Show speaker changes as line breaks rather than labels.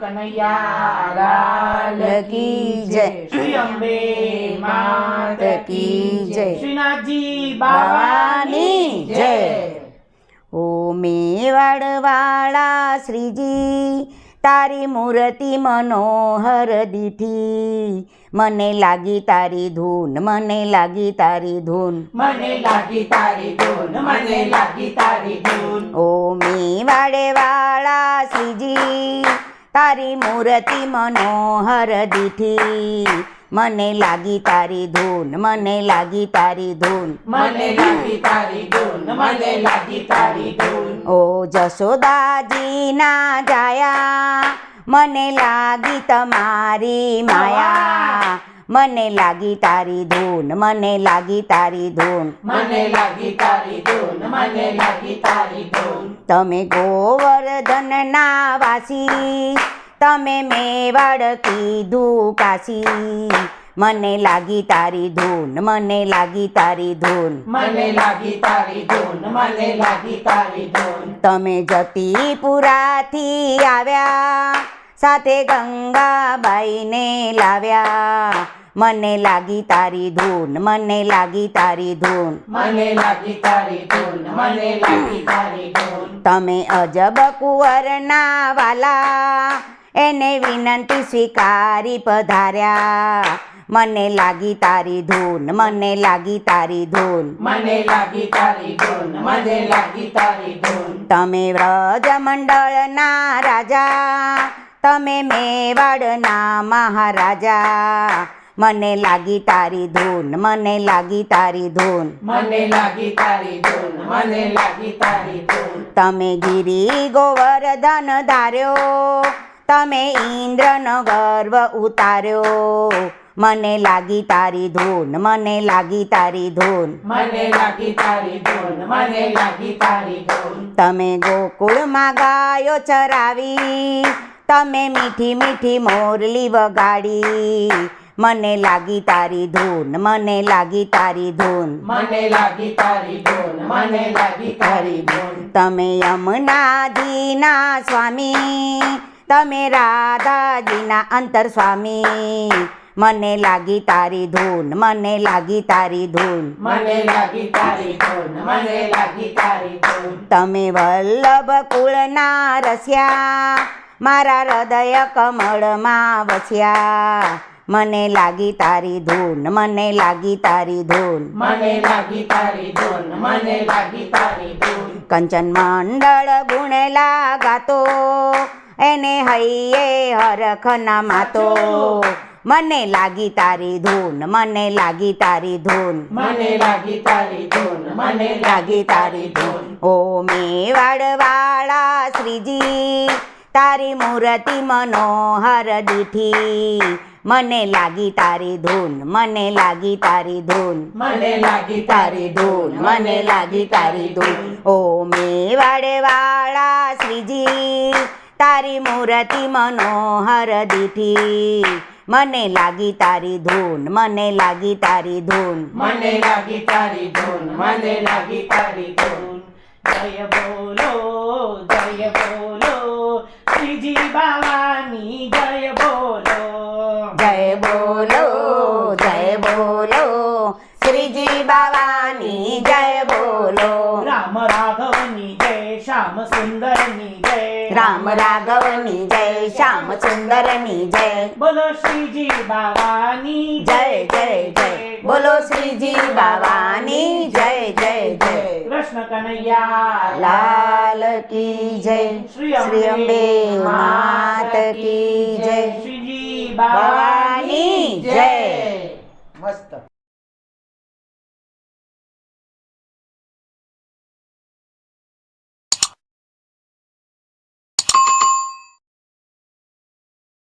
કનૈયા લાલ કી જય, શ્રી અંબે માત કી જય, શ્રીનાથજી બાવાની જય।
ઓ મેવાડ વાળા શ્રીજી તારી મૂર્તિ મનોહર દીઠી, મને લાગી તારી ધૂન, મને લાગી તારી ધૂન,
મને લાગી તારી ધૂન, મને લાગી તારી ધૂન।
ઓ મેવાડ વાળા શ્રીજી તારી મૂર્તિ મનોહર દીઠી, મને લાગી તારી ધૂન, મને લાગી તારી ધૂન,
મને લાગી તારી ધૂન, મને લાગી તારી ધૂન।
ઓ જશોદાજીના જાયા મને લાગી તમારી માયા, મને લાગી તારી ધૂન, મને લાગી તારી ધૂન,
મને લાગી તારી ધૂન, મને લાગી તારી ધૂન।
તમે ગોવર્ધનના વાસી, તમે મેવાડ કીધું કાશી, મને લાગી તારી ધૂન, મને લાગી તારી ધૂન,
મને લાગી તારી ધૂન, મને લાગી તારી ધૂન।
તમે જતીપુરાથી આવ્યા, સાથે ગંગાબાઈને લાવ્યા, મને લાગી તારી ધૂન, મને લાગી તારી ધૂન,
મને લાગી તારી ધૂન, મને લાગી તારી ધૂન।
તમે અજબ કુંવરના વાલા, એને વિનંતી સ્વીકારી પધાર્યા, મને લાગી તારી ધૂન, મને લાગી તારી ધૂન,
મને લાગી તારી ધૂન, મને લાગી તારી ધૂન।
તમે વ્રજમંડળના રાજા, તમે મેવાડના મહારાજા, મને લાગી તારી ધૂન, મને લાગી તારી ધૂન,
મને લાગી તારી ધૂન, મને લાગી તારી ધૂન।
તમે ગિરી ગોવર્ધન ધાર્યો, તમે ઇન્દ્રનો ગર્વ ઉતાર્યો, મને લાગી તારી ધૂન, મને લાગી તારી ધૂન,
મને લાગી તારી ધૂન, મને લાગી તારી ધૂન।
તમે ગોકુળમાં ગાયો ચરાવી, તમે મીઠી મીઠી મોરલી વગાડી, મને લાગી તારી ધૂન, મને લાગી તારી ધૂન,
મને લાગી તારી ધૂન, મને લાગી તારી ધૂન।
તમે યમુનાજીના સ્વામી, તમે રાધાજીના અંતર સ્વામી, મને લાગી તારી ધૂન, મને લાગી તારી ધૂન,
મને લાગી તારી ધૂન, મને લાગી તારી ધૂન।
તમે વલ્લભ કુળના રસ્યા, મારા હૃદય કમળમાં વસ્યા, મને લાગી તારી ધૂન, મને લાગી તારી ધૂન,
મને લાગી તારી ધૂન, મને લાગી તારી ધૂન।
કંચન મંડળ ગુણેલા ગાતો, એને હૈયે હરખ ના માતો, મને લાગી તારી ધૂન, મને લાગી તારી ધૂન,
મને લાગી તારી ધૂન, મને લાગી તારી ધૂન।
ઓ મેવાડ વાળા શ્રીજી તારી મૂર્તિ મનોહર દીઠી, મને લાગી તારી ધૂન, મને લાગી તારી ધૂન,
મને લાગી તારી ધૂન,
મને લાગી તારી ધૂન। ઓ મેવાડ વાળા શ્રીજી તારી મૂર્તિ મનોહર દીઠી, મને લાગી તારી ધૂન, મને લાગી તારી ધૂન,
મને લાગી તારી ધૂન, મને લાગી તારી ધૂન। જય બોલો, જય બોલો, શ્રીજી બાવાની જય બોલો,
જય બોલો, જય બોલો, શ્રીજી બાવાની જય બોલો,
રામ રાઘવની જય, શ્યામ સુંદરની જય,
રામ રાઘવની જય, શ્યામ સુંદરની જય,
બોલો શ્રીજી બાવાની
જય જય જય, બોલો શ્રીજી બાવાની જય જય જય,
કૃષ્ણ કનૈયા
લાલ કી જય, શ્રી અંબે માત કી જય,
શ્રીજી
બાવાની જય।